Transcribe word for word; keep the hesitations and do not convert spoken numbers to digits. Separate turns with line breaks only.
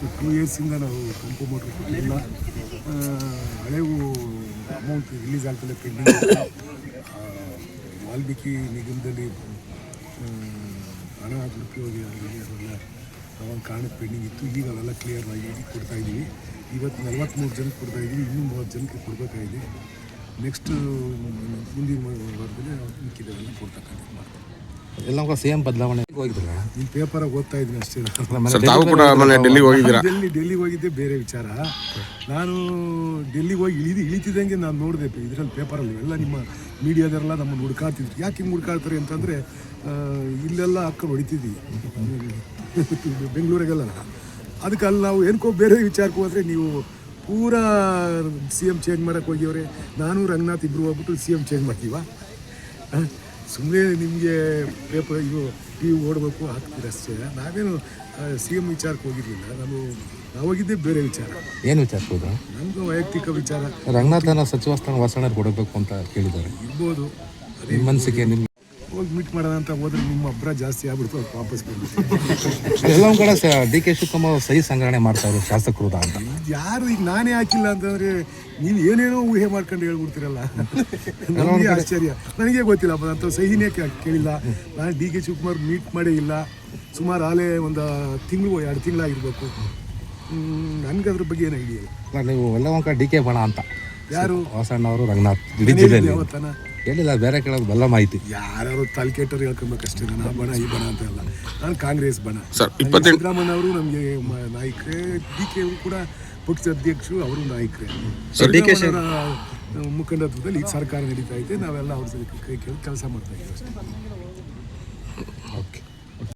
Two ಇಯರ್ಸಿಂದ ನಾವು ಕೆಂಪು motor ಕೊಟ್ಟಿಲ್ಲ. ಹಳೆವು ಅಮೌಂಟ್ ರಿಲೀಸ್ ಆಗ್ತಲೇ ಪೆಂಡಿಂಗ್. ವಾಲ್ಮೀಕಿ ನಿಗಮದಲ್ಲಿ ಹಣ ದುರುಪಯೋಗ ಆಗಿದೆ, ಅದೆಲ್ಲ ಅವಾಗ ಕಾರಣಕ್ಕೆ ಪೆಂಡಿಂಗ್ ಇತ್ತು. ಈಗ ಅವೆಲ್ಲ ಕ್ಲಿಯರ್ ಆಗಿ ಕೊಡ್ತಾಯಿದ್ದೀವಿ. ಇವತ್ತು ನಲ್ವತ್ತ್ಮೂರು ಜನಕ್ಕೆ ಕೊಡ್ತಾಯಿದ್ದೀವಿ, ಇನ್ನೂ ಮೂವತ್ತು ಜನಕ್ಕೆ ಕೊಡಬೇಕಾಗಿದೆ. ನೆಕ್ಸ್ಟ್ ಮುಂದಿನ ವಾರದಲ್ಲಿ ಮಿಕ್ಕಿದೆಲ್ಲ ಕೊಡ್ತಕ್ಕಂಥ ಮಾಡ್ತೀವಿ.
ಎಲ್ಲ ಸಿ ಎಂ ಬದಲಾವಣೆ ಹೋಗಿದ್ರಲ್ಲ,
ನಿಮ್ಮ ಪೇಪರಾಗಿ ಓದ್ತಾ ಇದ್ದೀನಿ ಅಷ್ಟೇ.
ತಾವು ಕೂಡ ಡೆಲ್ಲಿಗೆ ಹೋಗಿದ್ದೀರಾ?
ಡೆಲ್ಲಿ ಡೆಲ್ಲಿಗೆ ಹೋಗಿದ್ದೆ ಬೇರೆ ವಿಚಾರ. ನಾನು ಡೆಲ್ಲಿಗೆ ಹೋಗಿ ಇಳಿದು ಇಳಿತಿದ್ದಂಗೆ ನಾನು ನೋಡಿದೆ ಇದರಲ್ಲಿ ಪೇಪರಲ್ಲಿ ಎಲ್ಲ ನಿಮ್ಮ ಮೀಡಿಯಾದವರೆಲ್ಲ ನಮ್ಮನ್ನು ಹುಡ್ಕಾತಿದ್ರು. ಯಾಕೆ ಹಿಂಗೆ ಹುಡ್ಕಾಡ್ತಾರೆ ಅಂತಂದರೆ ಇಲ್ಲೆಲ್ಲ ಹಾಕೊಂಡು ಹೊಡಿತಿದ್ವಿ ಬೆಂಗಳೂರಿಗೆಲ್ಲ. ಅದಕ್ಕೆ ಅಲ್ಲಿ ನಾವು ಏನಕ್ಕೋ ಬೇರೆ ವಿಚಾರಕ್ಕೆ ಹೋದರೆ ನೀವು ಪೂರಾ ಸಿ ಎಮ್ ಚೇಂಜ್ ಮಾಡೋಕ್ಕೆ ಹೋಗಿವ್ರೆ. ನಾನು ರಂಗನಾಥ್ ಇಬ್ಬರು ಹೋಗ್ಬಿಟ್ಟು ಸಿ ಎಮ್ ಚೇಂಜ್ ಮಾಡ್ತೀವ. ಸುಮ್ಮನೆ ನಿಮಗೆ ಪೇಪರ್ ಇದು ಟಿ ವಿ ಓಡಬೇಕು ಹಾಕ್ತೀರ ಅಷ್ಟೇ. ನಾವೇನು ಸಿ ಎಮ್ ವಿಚಾರಕ್ಕೆ ಹೋಗಿರಲಿಲ್ಲ. ನಾನು ನಾವು ಹೋಗಿದ್ದೆ ಬೇರೆ ವಿಚಾರ.
ಏನು ವಿಚಾರಕ್ಕೆ ಹೋದ?
ನಮ್ಮದು ವೈಯಕ್ತಿಕ ವಿಚಾರ.
ರಂಗನಾಥನ ಸಚಿವ ಸ್ಥಾನ ವಾಸಣ್ಣ ಕೊಡಬೇಕು ಅಂತ ಕೇಳಿದ್ದಾರೆ.
ಇರ್ಬೋದು,
ನಿಮ್ಮ ಮನಸ್ಸಿಗೆ ನಿಮ್ಮ
ಹೋಗಿ ಮೀಟ್ ಮಾಡೋಣ ಅಂತ ಹೋದ್ರೆ ನಿಮ್ಮ ಅಬ್ಬರ ಜಾಸ್ತಿ ಆಗ್ಬಿಡ್ತು, ಅದು ವಾಪಸ್ ಬಂದ್ಬಿಟ್ಟು.
ಎಲ್ಲ ಒಂದು ಕಡೆ ಡಿ ಕೆ ಶಿವಕುಮಾರ್ ಸಹಿ ಸಂಗ್ರಹಣೆ ಮಾಡ್ತಾರೆ ಶಾಸಕರು ಅಂತ.
ಯಾರು ಈಗ ನಾನೇ ಹಾಕಿಲ್ಲ ಅಂತಂದರೆ ನೀವು ಏನೇನೋ ಊಹೆ ಮಾಡ್ಕೊಂಡು ಹೇಳ್ಬಿಡ್ತೀರಲ್ಲ, ನನಗೆ ಆಶ್ಚರ್ಯ. ನನಗೆ ಗೊತ್ತಿಲ್ಲ ಅಂತ ಸಹಿನೇ ಕೇಳಿಲ್ಲ. ನಾನು ಡಿ ಕೆ ಶಿವಕುಮಾರ್ ಮೀಟ್ ಮಾಡೇ ಇಲ್ಲ. ಸುಮಾರು ಆಲೇ ಒಂದು ತಿಂಗಳು ಎರಡು ತಿಂಗಳಾಗಿರ್ಬೇಕು. ನನಗೆ ಅದ್ರ ಬಗ್ಗೆ ಏನು ಐಡಿಯಾ ಇಲ್ಲ.
ನೀವು ಎಲ್ಲ ಒಂದು ಕಡೆ ಡಿ ಕೆ ಬಣ ಅಂತ ಯಾರು ವಾಸಣ್ಣ ಅವರು ರಂಗನಾಥ್ ಇಡೀ ಜಿಲ್ಲೆಯಲ್ಲಿ
ಯಾವತ್ತನ
ಹೇಳಿಲ್ಲ, ಬೇರೆ ಕಡೆ ಬಲ್ಲ ಮಾಹಿತಿ.
ಯಾರು ತಲೆ ಕೆಟ್ಟರು ಹೇಳ್ಕೊಬೇಕಷ್ಟೇ. ನಾನು ಆ ಬಣ ಈ ಬಣ ಅಂತ ಅಲ್ಲ, ನಾನು ಕಾಂಗ್ರೆಸ್ ಬಣ.
ಇಪ್ಪತ್ತೆಂಟು
ಸಿದ್ದರಾಮಯ್ಯ ಅವರು ನಮಗೆ ನಾಯಕರೇ, ಡಿ ಕೆ ಅವರು ಕೂಡ ಪಕ್ಷದ ಅಧ್ಯಕ್ಷರು, ಅವರು ನಾಯಕರೇ. ಮುಖಂಡತ್ವದಲ್ಲಿ ಈಗ ಸರ್ಕಾರ ನಡೀತಾ ಇದೆ. ನಾವೆಲ್ಲ ಅವ್ರ ಕೈ ಕೇಳಿ ಕೆಲಸ ಮಾಡ್ತಾ ಇದ್ದೀವಿ ಅಷ್ಟೇ.